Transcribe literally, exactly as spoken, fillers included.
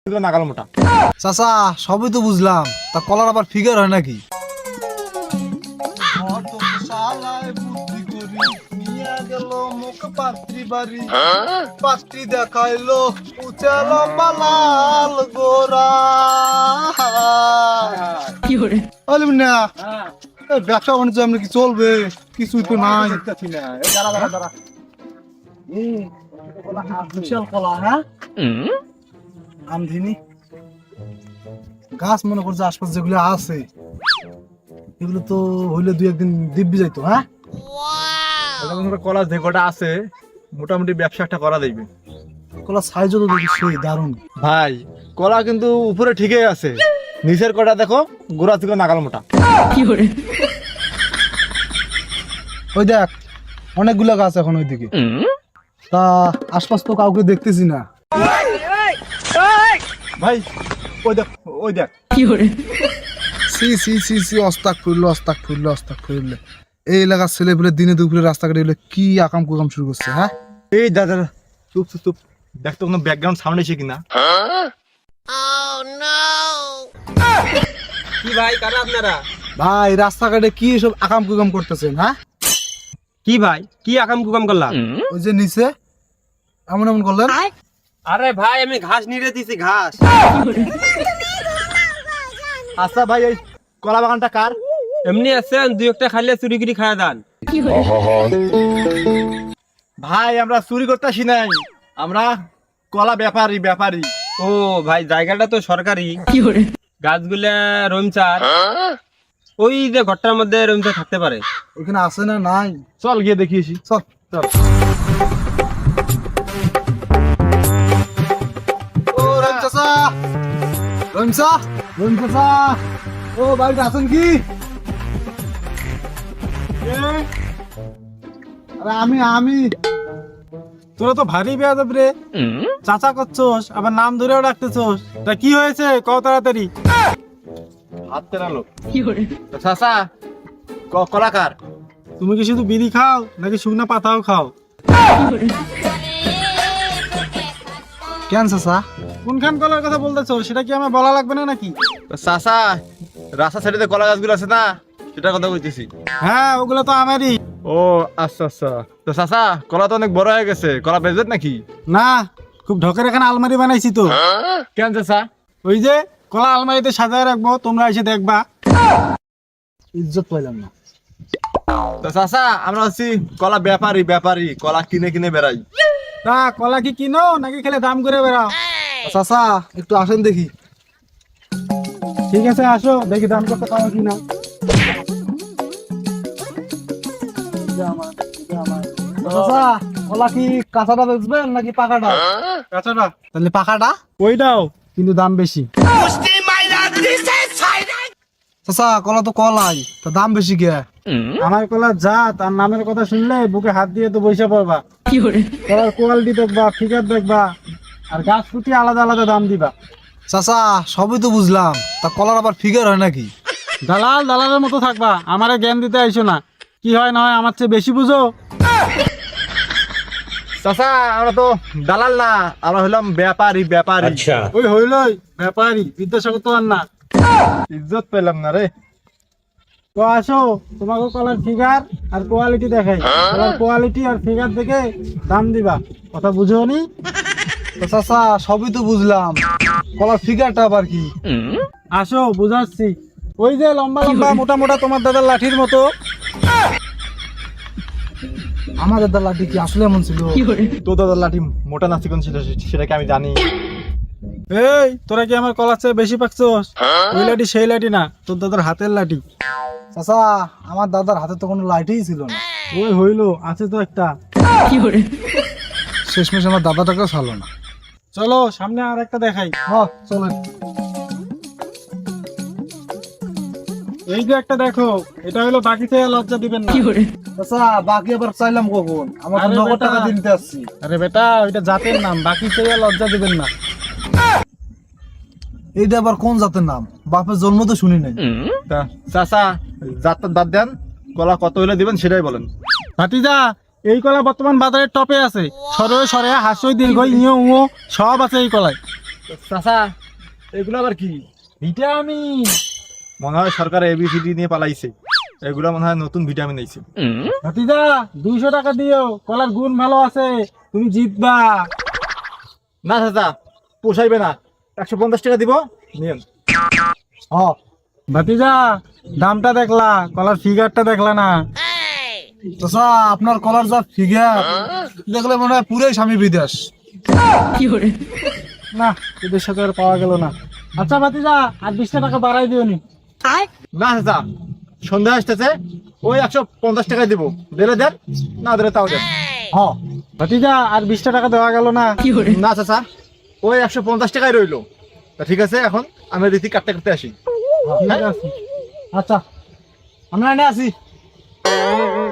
নাগাল মোটা। চাচা সবই তো বুঝলাম, তা কলার আবার ফিগার হয় নাকি? দেখাইলো ব্যবসা বাণিজ্য এমনি কি চলবে? কিছুই তো নাই। আমধিনী গাছ মনে করছে আশপাশ যেগুলো আছে এগুলো তো হইলে দুই একদিন দিব্যি যাইতো। হ্যাঁ, কলা যে কটা আছে মোটামুটি ব্যবসা একটা করা যাইবে। কলা সাইজও তো দেখি সেই দারুণ। ভাই কলা কিন্তু উপরে ঠিকই আছে, নিচের কটা দেখো গোড়া থেকে নাগাল মোটা। ওই দেখ অনেকগুলো গাছ এখন ওইদিকে, তা আশপাশ তো কাউকে দেখতেছি না। ভাই ওই দেখ ওই দেখ সি সি সি সি অস্তাক ফুরলো অস্তাক ফুরলো অস্তাক ফুরলে এই এলাকার ছেলে পেলে দিনে দুপুরে রাস্তাঘাটে এগুলো কি আকাম কুকাম শুরু করছে। হ্যাঁ, এই দাদা চুপ চুপ চুপ, দেখ তো কোনো ব্যাকগ্রাউন্ড সাউন্ড এসে কিনা। কি ভাই কারা আপনারা? ভাই রাস্তাঘাটে কি সব আকাম কুকাম করতেছেন? হ্যাঁ, কি ভাই কি আকাম কুকাম করলাম? ওই যে নিচে এমন এমন করলেন। আরে ভাই আমি ঘাস নিয়ে দিছি ঘাস। আচ্ছা ভাই এই কলা বাগানটা কার? এমনি আছেন দুই একটা খাইলে চুরি গিরি খায়া দান। ভাই আমরা চুরি করতেছি নাই, আমরা কলা ব্যাপারী ব্যাপারী। ও ভাই জায়গাটা তো সরকারি। গাছগুলা রমচার, ওই যে ঘরটার মধ্যে রমচার থাকতে পারে। ওখানে আছে না নাই? চল গিয়ে দেখিয়েছি। চল চল। ও রহিম চাচা, রহিম চা রহিম চাচা, ও বাড়িতে আছেন কি? আরে আমি আমি তোরা তো ভারী বেয়াদব রে, চাচা করছোস আবার নাম ধরেও ডাকতেছোস। তা কি হয়েছে কত তাড়াতাড়ি? হাত তেরালো চাচা, ক- কলা কার? তুমি কি শুধু বিড়ি খাও নাকি শুকনা পাতাও খাও? কেন চাচা? কোনখান কলার কথা বলতেছো সেটা কি আমার বলা লাগবে না নাকি? চাচা রাস্তা সাইডে কলা গাছগুলো আছে না, সেটার কথা বলতেছি। হ্যাঁ ওগুলো তো আমারই। ও আচ্ছা আচ্ছা, তো চাচা কলা তো অনেক বড় হয়ে গেছে, কলা বেচবেন নাকি? না, খুব ঢকের এখানে আলমারি বানাইছি তো। কেন চাচা? ওই যে কলা আলমারিতে সাজায় রাখবো, তোমরা এসে দেখবা। ইজ্জত পাইলাম না। তো চাচা আমরা হচ্ছি কলা ব্যাপারী ব্যাপারী, কলা কিনে কিনে বেড়াই। তা কলা কি কিনো নাকি খেলে দাম করে বেড়াও? চাচা একটু আসেন দেখি। ঠিক আছে আসো দেখি দাম কত পাওয়া কিনা। চাচা কলা কি কাঁচাটা বেচবেন নাকি পাকাটা? কাঁচাটা। তাহলে পাকাটা ওইটাও কিন্তু দাম বেশি। চাচা কলা তো কলাই, তা দাম বেশি কে? আমার কলা যা তার নামের কথা শুনলে বুকে হাত দিয়ে তো বসে পড়বা। কলার কোয়ালিটি দেখবা, ফিগার দেখবা, আর গাছ ফুটি আলাদা আলাদা দাম দিবা। চাচা সবই তো বুঝলাম, তা কলার আবার ফিগার হয় নাকি? দালাল দালালের মতো থাকবা, আমারে জ্ঞান দিতে আইসো না। কি হয় না হয় আমার চেয়ে বেশি বুঝো। চাচা আমরা তো দালাল না, আমরা হলাম ব্যাপারী ব্যাপারী। ওই হইলই ব্যাপারী, বিদ্যাসাগর তো আর না। ইজ্জত পেলাম না রে। তো আসো তোমাকে কলার ফিগার আর কোয়ালিটি দেখাই। কলার কোয়ালিটি আর ফিগার দেখে দাম দিবা, কথা বুঝো নি? তো চাচা সবই তো বুঝলাম, কলার ফিগারটা আবার কি? আসো বুঝাচ্ছি। ওই যে লম্বা লম্বা মোটা মোটা তোমার দাদার লাঠির মতো। আমাদের দা লাঠি কি আসলে এমন ছিল? তো দাদার লাঠি মোটা না চিকন ছিল সেটা কি আমি জানি? এই তোরা কি আমার কলার চেয়ে বেশি পাকছোস? ওই লাঠি সেই লাঠি না, তোর দাদার হাতের লাঠি। চাচা আমার দাদার হাতে তো কোনো লাঠিই ছিল না। ওই হইলো আছে তো একটা। শেষমেশ আমার দাদাটাকেও ছাড়লো না। চলো সামনে আর একটা দেখাই। হ চলেন। এই যে একটা দেখো, এটা হলো বাকি থেকে লজ্জা দিবেন না। চাচা বাকি আবার চাইলাম কখন? আমার তো আরে নগদ বেটা। টাকা দিতে আসছি। আরে বেটা ওইটা জাতের নাম, বাকি থেকে লজ্জা দিবেন না। এইটা আবার কোন জাতের নাম? বাপের জন্ম তো শুনি নাই। তা চাচা যাত্রা বাদ দেন, কলা কত হলে দিবেন সেটাই বলেন। ভাতিজা এই কলা বর্তমান বাজারে টপে আছে। সরে সরে হাসই দীর্ঘ ইয়ে উঁ সব আছে এই কলায়। চাচা এগুলো আবার কি? ভিটামিন। মনে হয় সরকার এবিসিডি নিয়ে পালাইছে, এগুলো মনে হয় নতুন ভিটামিন আইছে। ভাতিজা দুইশো টাকা দিও, কলার গুণ ভালো আছে, তুমি জিতবা। না চাচা পোষাইবে না, একশো পঞ্চাশ টাকা দিব নিয়েন। হ ভাতিজা দামটা দেখলা, কলার ফিগারটা দেখলা না? চাচা আপনার কলার যা ফিগার দেখলে মনে হয় পুরাই স্বামী বিদেশ। না এদের সাথে আর পাওয়া গেল না। আচ্ছা ভাতিজা আর বিশটা টাকা বাড়াই দিও নি। না চাচা সন্ধ্যা আসতেছে, ওই একশো পঞ্চাশ টাকায় দিব, দিলে দেন, না দিলে তাও দেন। হ ভাতিজা আর বিশটা টাকা দেওয়া গেল না। না চাচা ওই একশো পঞ্চাশ টাকায় রইলো। তা ঠিক আছে, এখন আমি রীতি কাটতে কাটতে আসি। ঠিক আছে আচ্ছা আমরা এনে আছি।